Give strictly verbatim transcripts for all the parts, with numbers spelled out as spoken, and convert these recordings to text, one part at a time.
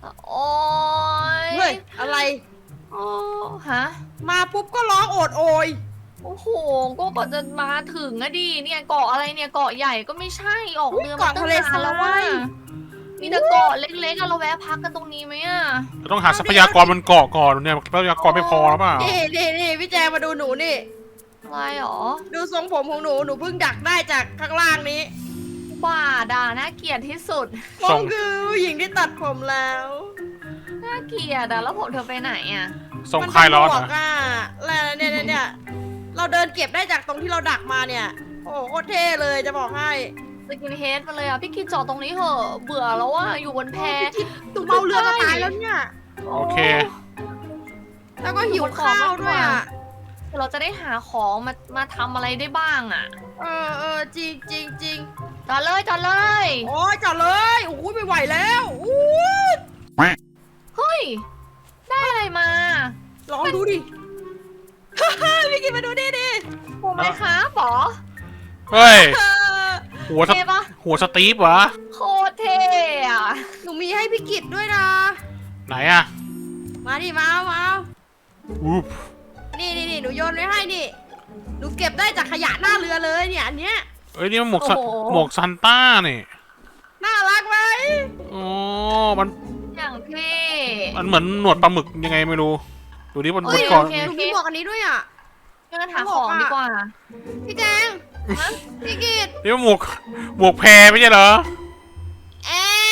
โอ้ยเฮ้ยอะไรโอ้ฮะมาปุ๊บก็ร้องโอดโอยโอ้โหก็กว่าจะมาถึงอะดิเนี่ยเกาะอะไรเนี่ยเกาะใหญ่ก็ไม่ใช่ออกเรือมาตั้งนานแล้วว่ามีแต่เกาะเล็กๆอะเราแวะพักกันตรงนี้ไหมอะเราต้องหาทรัพยากรบนเกาะก่อนเนี่ยทรัพยากรไม่พอหรือเปล่านี่นี่นี่พี่แจงมาดูหนูนี่อะไรหรอดูทรงผมของหนูหนูเพิ่งดักได้จากข้างล่างนี้บ้าด่าน่าเกลียดที่สุดผมคือผู้หญิงที่ตัดผมแล้วน่าเกลียดอะแล้วผมเธอไปไหนอะส่งคลายร้อนมันะเป็หมวกอ่ะแล้วเนี่ยเนี่ยเนี่ยเราเดินเก็บได้จากตรงที่เราดักมาเนี่ย โอ้โหโคตรเท่เลยจะบอกให้สกินเฮดมาเลยอะพี่กิจจอดตรงนี้เหอะเบื่อแล้วว่าอยู่บนแพตุ่มเมาเรือจะตายแล้วเนี่ยโอเคแล้วก็หิวข้าวด้วยอ่ะเราจะได้หาของมามาทำอะไรได้บ้างอะเออเออจริงจริงจริงจอดเลยจอดเลยโอ้ยจอดเลยโอ้ยไม่ไหวแล้วอู้ยเฮ้ยได้อะไรมาลองดูดิ พี่กินมาดูดิดิโอ้ไหมคะบอเฮ้ยเออหัวสเท่ปะหัวสตีฟวะโคตรเท่อะหนูมีให้พี่กิจด้วยนะไหนอะมาดิมามาอุ๊บนี่นี่นี่หนูโยนไว้ให้นี่ หนูเก็บได้จากขยะหน้าเรือเลยเนี่ยอันเนี้ยเอ้ยนี่มันหมวกซะหมวกซันต้านี่น่ารักไหมอ๋อมันอย่างเท่มันเหมือนหนวดปลาหมึกยังไงไม่รู้ดูดิบนบเฮ้นยเกาะโอเคหนูมีหมวกอันนี้ด้วยอ่ะเดินหาของดีกว่าพี่แจงพี่กิจนี่มันหมวกหมวกแพรไม่ใช่เหรอแอะ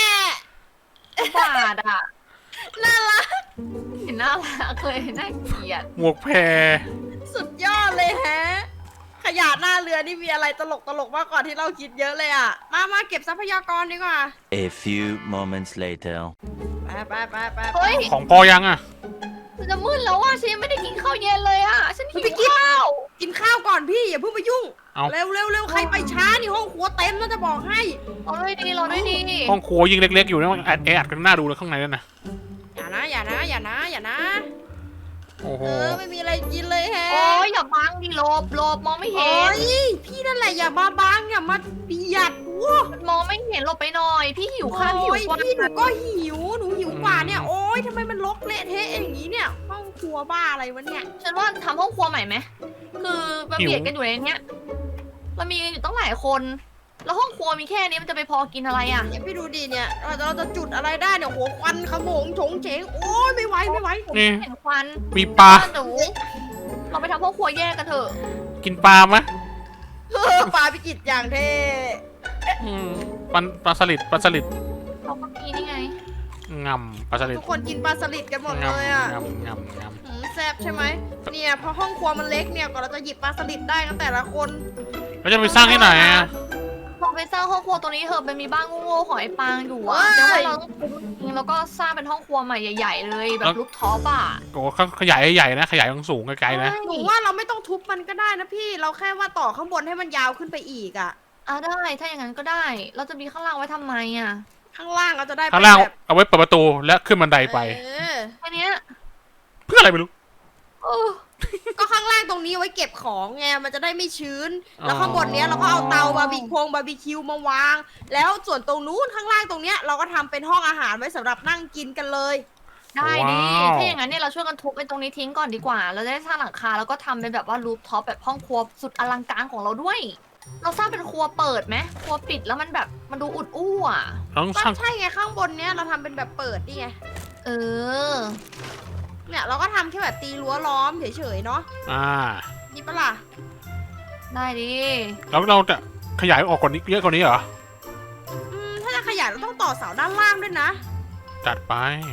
บาดอะน่ารักเห็นน่ารักเลยน่าเกลียดหมวกแพรสุดยอดเลยแฮะ ขยะหน้าเรือนี่มีอะไรตลกตลกๆมากกว่าที่เราคิดเยอะเลยอ่ะ มามาเก็บทรัพยากรดีกว่า A few moments later. ไปไปไปไปเฮ้ยของพอยังอะมันจะมืดแล้วว่าฉันยังไม่ได้กินข้าวเย็นเลยอะฉันหิวพี่กิจข้าวกินข้าวก่อนพี่อย่าเพิ่งไปยุ่งเอาเร็วเร็วเร็วใครไปช้านี่ห้องครัวเต็มนะจะบอกให้เราด้วยดีเราด้วยดีห้องครัวยิงเล็กๆอยู่นะแอดแออัดกันหน้าดูเลยข้างในนั่นนะอย่านะอย่านะอย่านะอย่านะโอ้โหเออไม่มีอะไรกินเลยแฮะโอ้ยอย่าบังดิโลบโลบมองไม่เห็โอ้นยพี่นั่นแหละอย่ามาบังอย่ามาเบียดวัวมันมองไม่เห็นหลบไปหน่อย พี่หิวข้าวหิวโอ้ยกว่าพี่หนูก็หิวหนูหิวกว่าเนี่ยโอ้ยทำไมมันรกเละเทะอย่างนี้เนี่ยห้องครัวบ้าอะไรวะเนี่ยฉันว่าทำห้องครัวใหม่ไหมคือมันเบียดกันอยู่ในเนี้ยเรามีอยู่ตั้งหลายคน แล้วห้องครัวมีแค่นี้มันจะไปพอกินอะไรอ่ะเนี่ยพี่ดูดิเนี่ยเราจะเราจะจุดอะไรได้เนี่ยหัวควันขโมงโฉงเฉงโอ้ยไม่ไหวไม่ไหวนี่เห็นควันมีปลาหนูเราไปทำห้องครัวแยกกันเถอะกินปลาไหมเออปลาพิกิตอย่างเท่อืมปลาปลาสลิดปลาสลิดเราก็มีนี่ไงงำปลาสลิดทุกคนกินปลาสลิดกันหมดงเลยอ่ะำงำงำงหืมแซ่บใช่ไหมเนี่ยเพราะห้องครัวมันเล็กเนี่ยก่อนเราจะหยิบปลาสลิดได้กันแต่ละคนำแล้วจะไปสร้างที่ไหนอะเราไปสร้างห้องครัวตัวนี้เถอะมันมีบ้านโง่ๆของไอ้ปางอยู่อะเดี๋ยวว่าเราต้องทุบทิ้งแล้วก็สร้างเป็นห้องครัวใหม่ใหญ่ ๆ เลยแบบรูปท็อปอะโอ้โหขยายใหญ่ๆนะขยายสูงๆไกลๆนะหนูว่าเราไม่ต้องทุบมันก็ได้นะพี่ เราแค่ว่าต่อข้างบนให้มันยาวขึ้นไปอีกอ่ะอ่ะได้ถ้าอย่างนั้นก็ได้ เราจะมีข้างล่างไว้ทำไมอะข้างล่างเราจะได้ข้างล่างเป็นแบบเอาไว้เปิดประตูและขึ้นบันไดไปเออแค่เนี้ยเพื่ออะไรไม่รู้เออก็ข้างล่างตรงนี้ไว้เก็บของไง มันจะได้ไม่ชื้นอ๋อแล้วข้างบนเนี้ยเราก็เอาเตาบาร์บีคงบาร์บีคิวมาวาง แล้วส่วนตรงนู้นข้างล่างตรงเนี้ยเราก็ทำเป็นห้องอาหารไว้สำหรับนั่งกินกันเลยได้ดิว้าวถ้าอย่างนั้นเนี่ยเราช่วยกันทุบไอ้ตรงนี้ทิ้งก่อนดีกว่า เราจะได้สร้างหลังคาแล้วก็ทำเป็นแบบว่ารูฟท็อปแบบห้องครัวสุดอลังการของเราด้วย เราสร้างเป็นครัวเปิดไหมครัวปิดแล้วมันแบบมันดูอุดอู้อ่ะต้องก็สร้างใช่ไงข้างบนเนี้ยเราทำเป็นแบบเปิดนี่ไงเออเนี่ยเราก็ทำแค่แบบตีรั้วล้อมเฉยๆเนาะอ่านี่ปะล่ะได้ดิแล้วเราจะขยายออกกว่านี้เยอะกว่านี้เหรออืมถ้าจะขยายเราต้องต่อเสาด้านล่างด้วยนะจัดไป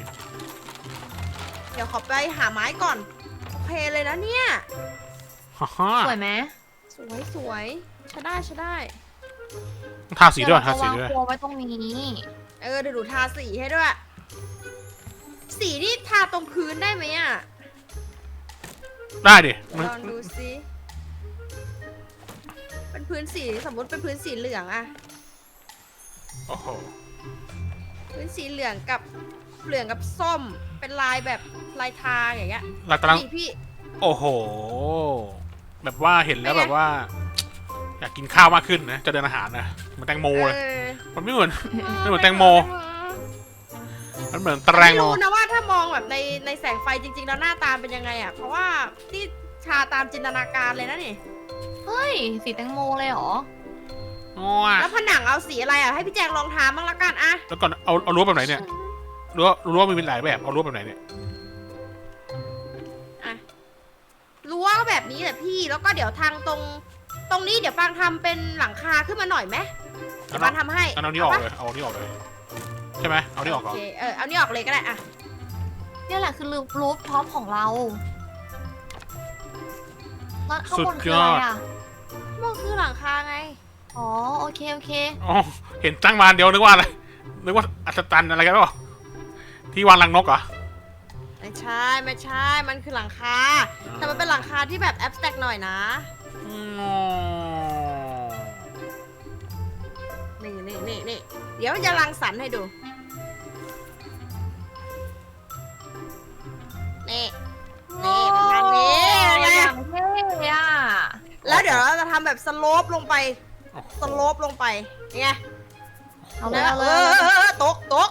เดี๋ยวขอไปหาไม้ก่อน โอเคเลยนะเนี่ยฮ่าฮ่าสวยไหมสวยสวยใช้ได้ใช้ได้ทาสีด้วยทาสีเดี๋ด้วยเราจะวางครัวไว้ตรงนี้เออเดี๋ยวหนูทาสีให้ด้วย สีนี่ทาตรงพื้นได้ไหมอ่ะได้ดิมันลองดูสิเป็นพื้นสีสมมติเป็นพื้นสีเหลืองอะโอ้โหพื้นสีเหลืองกับเหลืองกับส้ม เป็นลายแบบลายทางอย่างเงี้ยเรากำลังนี่พี่โอ้โห แบบว่าเห็นแล้วเป็นไงแบบว่า อยากกินข้าวมากขึ้นนะ จะเดินอาหารนะเหมือนแตงโมเลยเออมันไม่เหมือน ไม่เหมือนแตงโมมันเหมือนตะแรงไม่โมรู้นะว่าถ้ามองแบบในในแสงไฟจริงๆแล้วหน้าตาเป็นยังไงอ่ะเพราะว่าที่ชาตามจินตนาการเลยนะนี่เฮ้ย สีแตงโมเลยเหรออ๋อแล้วผนังเอาสีอะไรอ่ะให้พี่แจงลองทาบ้างละกันอะแล้วก่อนเอาเอารั้วแบบไหนเนี่ยรั้วรั้วมีเป็นหลายแบบเอารั้วแบบไหนเนี่ยรั้วแบบนี้แหละพี่แล้วก็เดี๋ยวทางตรง ตรงนี้เดี๋ยวฟางทำเป็นหลังคาขึ้นมาหน่อยไหมเดี๋ยวฟางทำให้เอาเอานี้ออกปะเลยเอาอันนี้ออกเลยใช่ไหมเอานี้ออกก่อนโอเคเออเอานี่ออกเลยก็ได้อะเนี่ยแหละคือรูฟท็อปของเราแล้วข้างบนคืออะไรอ่ะมันคือหลังคาไงอ๋อ โอเค โอเคอ๋อเห็นตั้งมาอันเดียวนึกว่าอะไรนึกว่าอัศจรรย์อะไรกันหรอที่วางรังนกเหรอไม่ใช่ไม่ใช่มันคือหลังคาแต่มันเป็นหลังคาที่แบบแอบสแต็กหน่อยนะอืมนี่นี่นี่นี่เดี๋ยวจะรังสรรค์ให้ดูนี่นี่ประมาณนี้อไงย่างเท่อะแล้วเดี๋ยวเราจะทำแบบสโลปลงไปสโลปลงไปไงเอาเลยแล้วเอาเลเอย อเออเออตกตก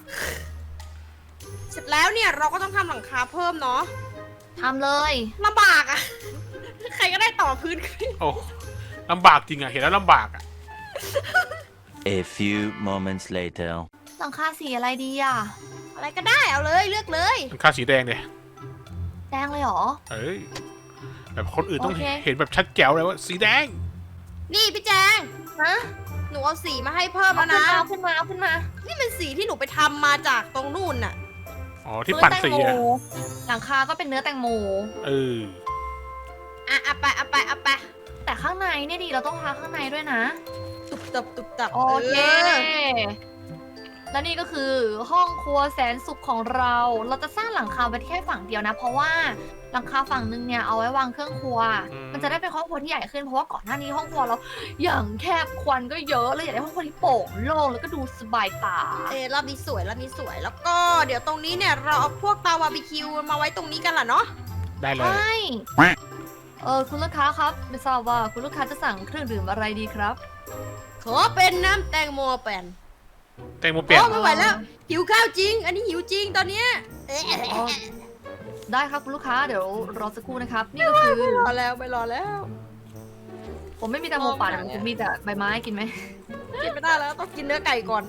เสร็จแล้วเนี่ยเราก็ต้องทำหลังคาเพิ่มเนาะทำเลยลำบากอะ ใครก็ได้ต่อพื้นขึ้นโอ้ลำบากจริงอะเห็นแล้วลำบากอะ A few moments later. หลังคาสีอะไรดีอ่ะอะไรก็ได้เอาเลยเลือกเลยมันค่าสีแดงเนี่ยแดงเลยเหรอเอ้ยแบบคนอื่นต้องโอเคเห็นแบบชัดแจ๋วเลยว่าสีแดงนี่พี่แจงฮะหนูเอาสีมาให้เพิ่มเอาแล้วขึ้นนะมาเอาขึ้นมาเอาขึ้นมานี่เป็นสีที่หนูไปทำมาจากตรงนู่นน่ะอ๋อที่ปั่นสีเนื้อแตงอะโมหลังคาก็เป็นเนื้อแตงโมเอออ่ะเอาไปเอาไปเอาไปแต่ข้างในเนี่ยดีเราต้องทาข้างในด้วยนะตุบตับตุบตับโอเค และนี่ก็คือห้องครัวแสนสุขของเรา เราจะสร้างหลังคาไว้แค่ฝั่งเดียวนะ เพราะว่าหลังคาฝั่งนึงเนี่ยเอาไว้วางเครื่องครัวอืมมันจะได้เป็นห้องครัวที่ใหญ่ขึ้น เพราะว่าก่อนหน้านี้ห้องครัวเราอย่างแคบควันก็เยอะเลยอยากได้ห้องครัวที่โปร่งโล่งแล้วก็ดูสบายตาเออรอบนี้สวยรอบนี้สวยแล้วก็เดี๋ยวตรงนี้เนี่ยเราเอาพวกเตาบาร์บีคิวมาไว้ตรงนี้กันล่ะเนาะได้เลใชย่ เออคุณลูกค้าครับไม่ทราบว่าคุณลูกค้าจะสั่งเครื่องดื่มอะไรดีครับขอเป็นน้ำแตงโมแป่นแตงโมเปลี่ยนโอ้ไม่ไหวแล้วหิวข้าวจริง อันนี้หิวจริงตอนเนี้ยเอ๊ะอ๋อ ได้ครับคุณลูกค้าเดี๋ยวรอสักครู่นะครับ นี่ก็คือไม่รอแล้วไม่รอแล้วผมไม่มีแตงโมปั่นผมมีแต่ใบไม้กินไหมกินไม่ได้แล้วต้องกินเนื้อไก่ก่อน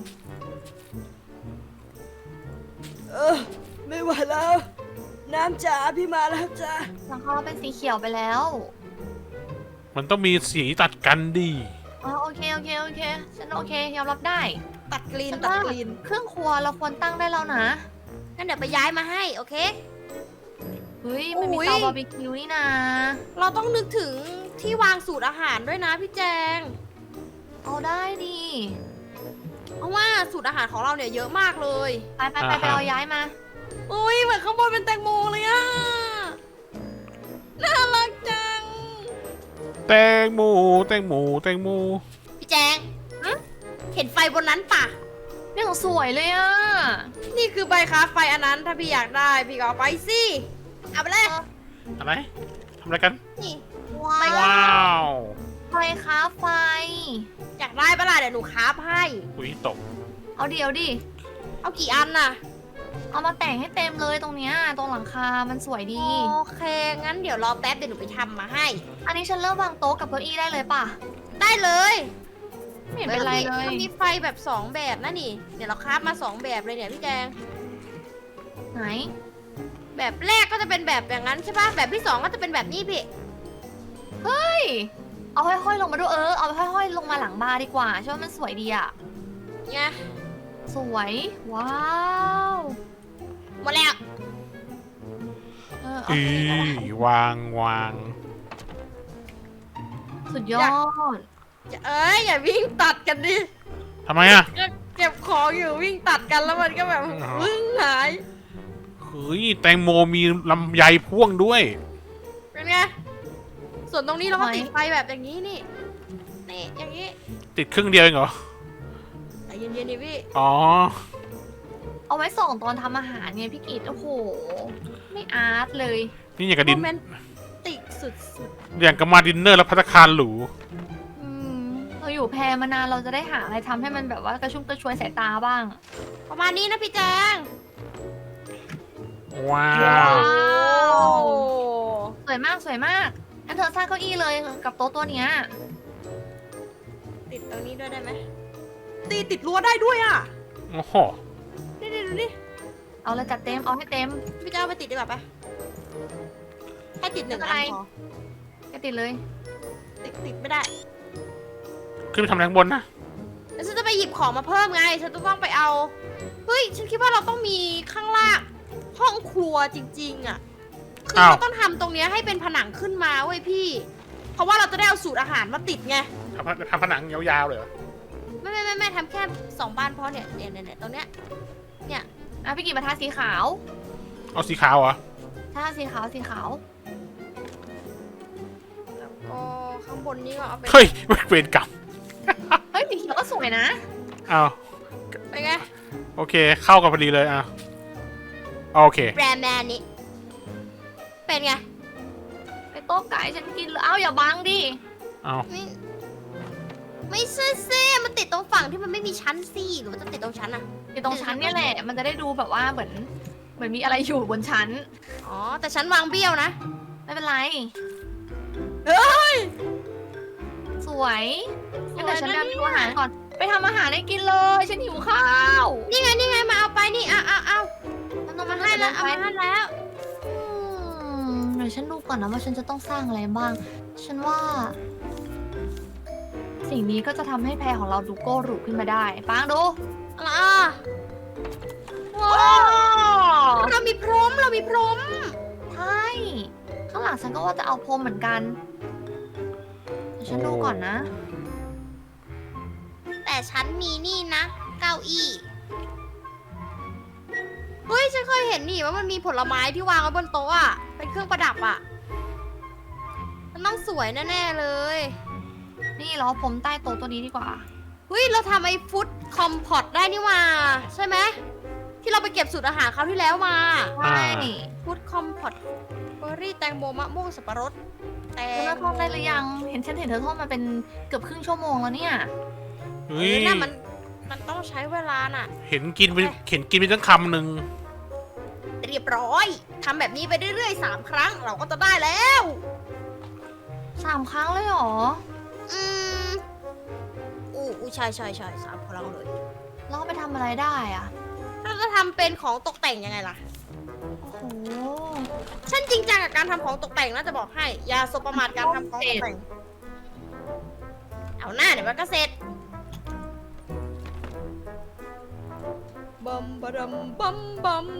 เออไม่ไหวแล้ว น้ำจ๋าพี่มาแล้วจ้าหลังคาเราเป็นสีเขียวไปแล้วมันต้องมีสีตัดกันดีอ๋อโอเคโอเคโอเคฉันโอเคยอมรับได้ตัดกรีนฉันตัดว่ากรีนเครื่องครัวเราควรตั้งได้แล้วนะงั้นเดี๋ยวไปย้ายมาให้โอเคเฮ้ยมันมีอุ๊ยเตาบาร์บีคิวนี่นะเราต้องนึกถึงที่วางสูตรอาหารด้วยนะพี่แจงเอาได้ดีเพราะว่าสูตรอาหารของเราเนี่ยเยอะมากเลยไปไปไปไปเอาย้ายมาอุ้ยเหมือนข้างบนเป็นแตงโมเลยอะน่ารักจังแตงโมแตงโมแตงโมพี่แจงเห็นไฟบนนั้นปะนี่ของสวยเลยอ่ะนี่คือใบค้าไฟอันนั้นถ้าพี่อยากได้พี่ก็เอาไปสิเอาไปเลยอะไรทำอะไรกันนี่ว้าว้าวไฟค้าไฟอยากได้ปะล่ะเดี๋ยวหนูคราฟให้อุ้ยตกเอาเดี๋ยวดิเอากี่อันน่ะเอามาแต่งให้เต็มเลยตรงเนี้ยตรงหลังคา มันสวยดีโอเค งั้นเดี๋ยวรอแป๊บเดี๋ยวหนูไปทำมาให้อันนี้ฉันเริ่มวางโต๊ะกับเก้าอี้ได้เลยป่ะได้เลยไม่เห็นเป็นไรเลยมันมีไฟแบบสองแบบนะนี่ เดี๋ยวเราคราฟมาสองแบบเลยเนี่ยพี่แจงไหนแบบแรกก็จะเป็นแบบอย่างนั้นใช่ปะแบบที่สองก็จะเป็นแบบนี้พี่เฮ้ย เอาห้อยๆลงมาด้วยเออ เอาห้อยๆลงมาหลังบาร์ดีกว่าใช่ว่ามันสวยดีอ่ะเนี่ยสวย ว้าวหมดแล้วเออเอาอีสิเอาสิวางวางสุดยอดเอ้ยอย่าวิ่งตัดกันดิทำไมอ่ะก็เก็บของอยู่วิ่งตัดกันแล้วมันก็แบบอ๋อวึ่งหายเฮ้ยแตงโมมีลำไยพ่วงด้วยเป็นไง ส่วนตรงนี้เราก็ทำไมติดไฟแบบอย่างนี้นี่ นี่อย่างนี้ติดครึ่งเดียวเองเหรอใจเย็นๆดิพี่อ๋อเอาไว้ส่องตอนทำอาหารไงพี่กิตโอ้โห ไม่อาร์ตเลยนี่อย่างกับโมดินเมนติกสุดอย่างกับมาดินเนอร์แล้วพัตตาคารหรูอืมเราอยู่แพรมานานเราจะได้หาอะไรทำให้มันแบบว่ากระชุ่มกระชวยสายตาบ้างๆประมาณนี้นะพี่แจงว้าว้าวโอ้สวยมากสวยมากงั้นเธอสร้างเก้าอี้เลยกับโต๊ะตัวเนี้ยติดตรงนี้ด้วยได้ไหมตีติดรั้วได้ด้วยอ่ะโอ้โหนี่นี่ดูนี่เอาเลยจัดเต็มเอาให้เต็มพี่จะเอาไปติดดีกว่าปะให้ติดหนึ่งไม่อัเป็นนไรพอแกติดเลยติดติดไม่ได้ขึ้นไปทำอะไรข้างบนนะแล้วฉันจะไปหยิบของมาเพิ่มไง ฉันจะต้องไปเอา เฮ้ย ฉันคิดว่าเราต้องมีข้างล่างห้องครัวจริงๆอ่ะ คือเราต้องทำตรงเนี้ยให้เป็นผนังขึ้นมาเว้ยพี่ เพราะว่าเราจะได้เอาสูตรอาหารมาติดไงทำทำผนังยาวๆเลยเหรอไม่ไม่ไม่ไม่ทำแค่สองบานพอเนี่ยเนี่ยเนี่ยเนี่ยตรงเนี้ย เนี่ยอ่ะพี่กิจมาทาสีขาวเอาสีขาวเหรอทาสีขาวสีขาวแล้วก็ข้างบนนี้ก็เอาเป็นเฮ้ยเวรกรรมเฮ้ยสีเขียวก็สวยนะอ้าวเป็นไงโอเค เข้ากันพอดีเลยอ่ะโอเคแบรนด์แมนนี้ เป็นไงไปโต๊ะไก่ฉันกินเลยเอ้าอย่าบังดิเอาไม่ไม่ใช่สิมันติดตรงฝั่งที่มันไม่มีชั้นสิหรือว่าจะติดตรงชั้นอะอยู่ตรงชั้นเนี่ยแหละ มันจะได้ดูแบบว่าเหมือนเหมือนมีอะไรอยู่บนชั้นอ๋อ แต่ชั้นวางเบี้ยวนะไม่เป็นไรเฮ้ยสวยงั้นเดี๋ยวฉันไปเอาเมนูอาหารก่อน ไปทำอาหารให้กินเลย ฉันหิวข้าวนี่ไงนี่ไงมาเอาไปนี่เอาเอาเอามันต้องมามาให้ให้แล้แล้ว วเอามาให้แล้วอืมเดี๋ยวฉันดูก่อนนะว่าฉันจะต้องสร้างอะไรบ้าง ฉันว่า สิ่งนี้ก็จะทำให้แพรของเราดูโก้หรูขึ้นมาได้ปังดูอะไรอ่ะว้าวเรามีพรมเรามีพรมใช่ ข้างหลังฉันก็ว่าจะเอาพรมเหมือนกันเดี๋ยวฉันดูก่อนนะแต่ฉันมีนี่นะ เก้าอี้เฮ้ยฉันเคยเห็นนี่ว่ามันมีผลไม้ที่วางไว้บนโต๊ะอ่ะเป็นเครื่องประดับอ่ะมันต้องสวยแน่ๆเลยนี่เราเอาพรมใต้โต๊ะตัวนี้ดีกว่าเฮ้ยเราทำไอ้ฟุตคอมพอตได้นี่ว่าใช่ไหมที่เราไปเก็บสูตรอาหารคราวที่แล้วมาใช่ฟุตคอมพอตเบอร์รี่แตงโมมะม่วงสับปะรดแตเธอง เลิกทอดได้หรือยัง เห็นฉันเห็นเธอทอดมาเป็นเกือบครึ่งชั่วโมงแล้วเนี่ยเฮ้ยเออน่ะมันมันต้องใช้เวลาน่ะเห็นกินไปเห็นกินไปตั้งคำหนึ่งเรียบร้อยทำแบบนี้ไปเรื่อยๆสามครั้งเราก็จะได้แล้วสามครั้งเลยเหรออืมอู้อู้ใช่ใช่ใช่สามครั้งเลยแล้วเอาไปทำอะไรได้อะเราจะทำเป็นของตกแต่งยังไงล่ะโอ้โหฉันจริงจังกับการทำของตกแต่งน่าจะบอกให้อย่าสบประมาทการทำของตกแต่ง เอาหน้าเดี๋ยวมันก็เสร็จบัมบะดัมบัมบัม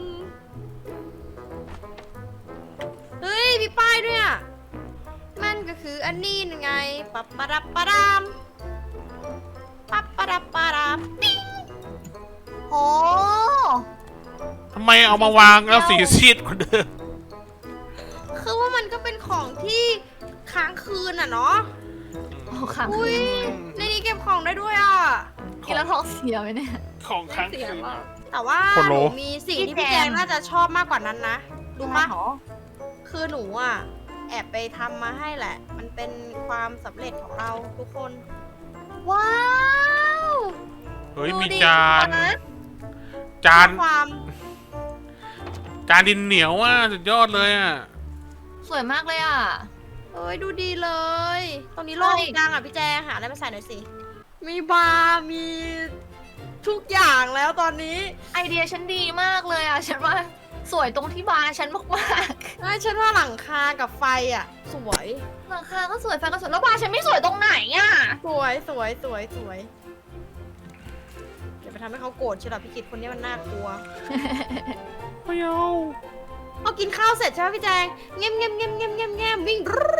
เฮ้ยมีป้ายด้วยอ่ะ มันก็คืออันนี้ไงปับปะดับปะดามปับปะดับปะดามปิ๊งโหทำไมเอามาวางแล้วสีซีดกว่าเดิมคือว่ามันก็เป็นของที่ค้างคืนอ่ะเนาะโอ้ขังอุ้ยในนี้เก็บของได้ด้วยอ่ะกินแล้วท้องเสียไหมเนี่ยของค้างเสียคืนมากแต่ว่าคนหโลนูมีสิ่งที่พี่แจงน่าจะชอบมากกว่านั้นนะรู้ปะหรอคือหนูอ่ะ แอบไปทำมาให้แหละ มันเป็นความสำเร็จของเราทุกคนว้าวเฮ้ยดูมีดิจานนะจานความจานดินเหนียวอ่ะสุดยอดเลยอ่ะสวยมากเลยอ่ะเอ้ยดูดีเลย ตรงนี้โล่งใช่จังอ่ะพี่แจงหาอะไรมาใส่หน่อยสิ มีบาร์มีทุกอย่างแล้วตอนนี้ไอเดียฉันดีมากเลยอ่ะ ฉันว่าสวยตรงที่บาร์ฉันมากใช่ฉันว่าหลังคากับไฟอ่ะ สวยๆหลังคาก็สวยไฟก็สวยแล้วบาร์ฉันไม่สวยตรงไหนอ่ะสวยสวยสวยสวยอย่าไปทำให้เขาโกรธใช่หรอพี่กิตคนนี้มันน่ากลัวไม่เอาพอกินข้าวเสร็จใช่ไหมพี่แจงเงียบเงียบเงียบเงียบเงียบเงียบวิ่ง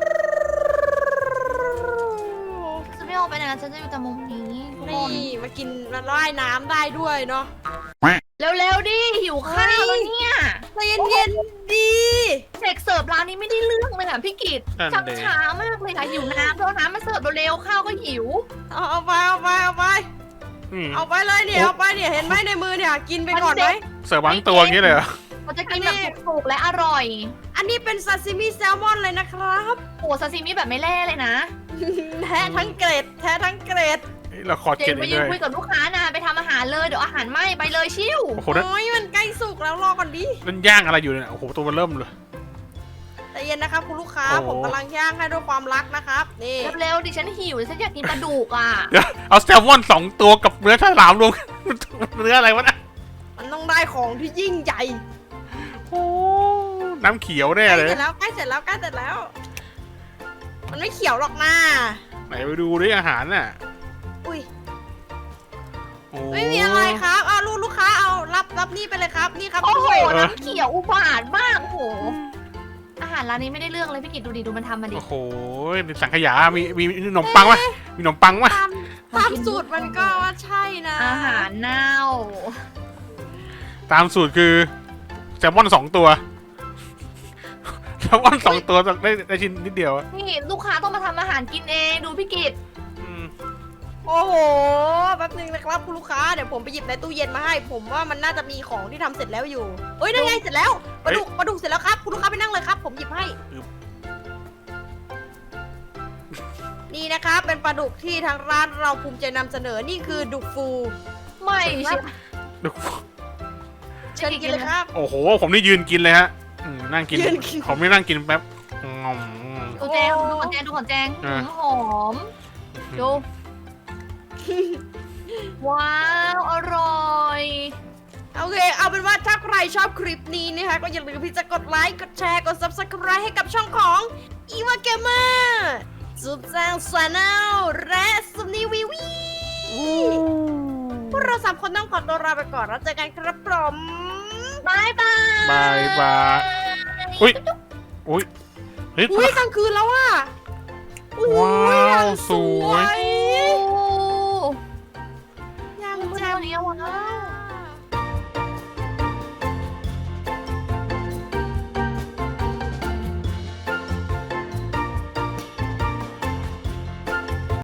ฉันไม่ออกไปไหนนะฉันจะอยู่แต่มุมนี้ทุกคนนี่มากินมาว่ายน้ำได้ด้วยเนาะเร็วๆดิหิวข้าวแล้วเนี่ยใจเย็นๆดีเด็กเสิร์ฟร้านนี้ไม่ได้เรื่องเลยอ่ะพี่กิตนั่นชักเด็ช้ามากเลยค่ะหิวน้ำแล้วน้ำมาเสิร์ฟเร็วๆข้าวก็หิวเอาเอาไปเอาไปเอาไปเอาไปเลยเนี่ยเอาไปเนี่ยเห็นไหมในมือเนี่ยกินไปก่อนไหมเสิร์ฟวางตัวอย่างนี้เลยเหรอเราจะกินแบบถูกๆและอร่อยอันนี้เป็นซาซิมิแซลมอนเลยนะครับโอ้ซาซิมิแบบไม่แล่เลยนะแท้ทั้งเกรดแท้ทั้งเกรดเราขอเจเก็นบไปอีกยืเลนยคุยกับลูกค้านานไปทำอาหารเลยเดี๋ยวอาหารไหม้ไปเลยชิวโอ้โหนั่นโอ้ยมันใกล้สุกแล้วรอก่อนดินั่นย่างอะไรอยู่เนี่ยโอ้โหตัวมันเริ่มเลยใจเย็นนะครับคุณลูกค้าโอ้ผมกำลังย่างให้ด้วยความรักนะครับนี่เร็วๆดิฉันหิวฉันอยากกินปลาดุกอ่ะเดี๋ยวเอาแซลมอนสองตัวกับเนื้อฉลามรวมกันเนื้ออะไรวะนะมันต้องได้ของที่ยิ่งใหญ่โอ้น้ำเขียวแน่ใกล้เลยเสร็จแล้วใกล้เสร็จแล้วใกล้เสร็จแล้ว มันไม่เขียวหรอกนะไหนไปดูดิอาหารน่ะอุ้ยโอ้ไม่มีอะไรครับเอาลูกลูกค้าเอารับรับนี่ไปเลยครับนี่ครับโอ้โหด้วยน้ำเขียวอุบาทมากโอ้โหอาหารร้านนี้ไม่ได้เรื่องเลยพี่กิตดูดิดูมันทำมาดิโอ้โหเป็นสังขยา มีมีมีขนมปังวะมีขนมปังวะตามตามสูตรมันก็ว่าใช่นะอาหารเน่าตามสูตรคือแซลมอนสองตัวแซลมอนสองตัวได้ได้ชิ้นนิดเดียวอะนี่ลูกค้าต้องมาทำอาหารกินเองดูพี่กิตอืมโอ้โหแป๊บนึงนะครับคุณลูกค้าเดี๋ยวผมไปหยิบในตู้เย็นมาให้ ผมว่ามันน่าจะมีของที่ทำเสร็จแล้วอยู่เอ้ยนั่นไงเสร็จแล้วปลาดุกปลาดุกเสร็จแล้วครับคุณลูกค้าไปนั่งเลยครับ ผมหยิบให้ นี่นะครับเป็นปลาดุกที่ทางร้านเราภูมิใจนำเสนอนี่คือดุกฟูไม่ใช่ดูเชิญกินเลยครับโอ้โห ผมนี่ยืนกินเลยฮะอืมนั่งกินยืนกินผมไม่นั่งกินแป๊บงอมดูแจงดูของแจงดูของแจงอ่ะหอมดูว้าวอร่อยโอเค เอาเป็นว่าถ้าใครชอบคลิปนี้นะคะก็อย่าลืมที่จะกดไลค์ กดแชร์ กด ซับสไครบ์ ให้กับช่องของ อี วา เกมเมอร์จุ๊บแจงชาแนลและซุมนีวีวีพวกเราสามคนต้องขอตัวลาไปก่อนแล้วเจอกันครับผมบายบายบายบายอุ้ยอุ้ยเฮ้ยอุ้ยกลางคืนแล้วอ่ะอุ้ยว้าวอย่างสวยยโอ้อย่างมันแจ่เท่มนี้วะ